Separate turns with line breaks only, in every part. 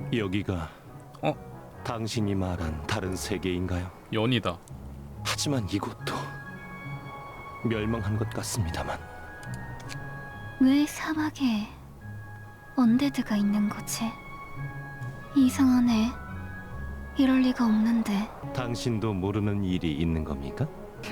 여기가 당신이 말한 다른 세계인가요?
연이다.
하지만 이곳도 멸망한 것 같습니다만.
왜 사막에 언데드가 있는 거지? 이상하네. 이럴 리가 없는데.
당신도 모르는 일이 있는 겁니까?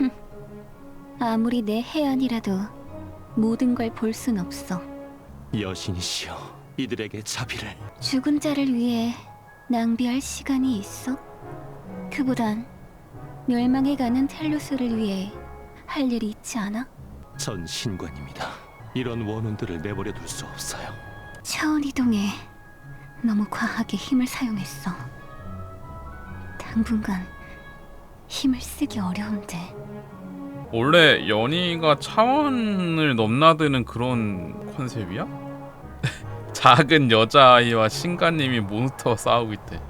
아무리 내 해안이라도 모든 걸 볼 순 없어.
여신이시여, 이들에게 자비를.
죽은 자를 위해 낭비할 시간이 있어? 그보단 멸망해가는 텔루스를 위해 할 일이 있지 않아?
전 신관입니다. 이런 원혼들을 내버려 둘 수 없어요.
차원 이동에 너무 과하게 힘을 사용했어. 당분간 힘을 쓰기 어려운데.
원래 연희가 차원을 넘나드는 그런 컨셉이야? 작은 여자아이와 신가님이 몬스터와 싸우고 있대.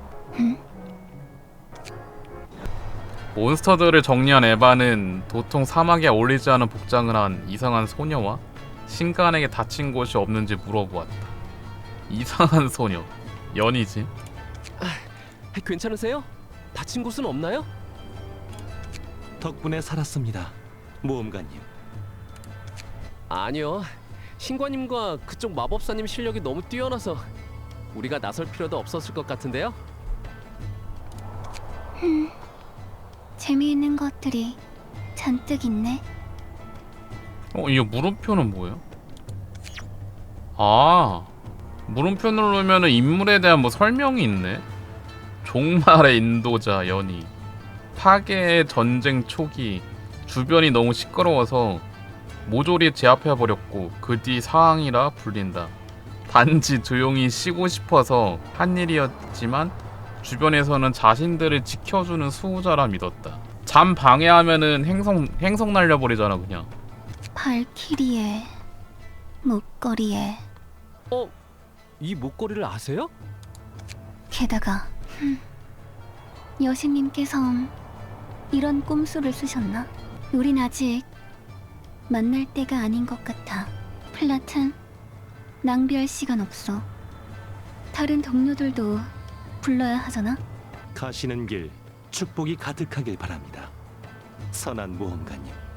몬스터들을 정리한 에바는 도통 사막에 어울리지 않은 복장을 한 이상한 소녀와 신간에게 다친 곳이 없는지 물어보았다. 이상한 소녀, 연희지?
괜찮으세요? 다친 곳은 없나요?
덕분에 살았습니다, 모험가님.
아니요. 신관님과 그쪽 마법사님 실력이 너무 뛰어나서 우리가 나설 필요도 없었을 것 같은데요?
재미있는 것들이 잔뜩 있네.
이 물음표는 뭐야? 아, 물음표 누르면은 인물에 대한 뭐 설명이 있네. 종말의 인도자 연희. 파괴의 전쟁 초기 주변이 너무 시끄러워서 모조리 제압해버렸고 그 뒤 사항이라 불린다. 단지 조용히 쉬고 싶어서 한 일이었지만 주변에서는 자신들을 지켜주는 수호자라 믿었다. 잠 방해하면은 행성 날려버리잖아 그냥.
발키리에 목걸이에
이 목걸이를 아세요?
게다가 여신님께서 이런 꼼수를 쓰셨나? 우린 아직 만날 때가 아닌 것 같아. 플라튼, 낭비할 시간 없어. 다른 동료들도 불러야 하잖아?
가시는 길 축복이 가득하길 바랍니다, 선한 모험가님.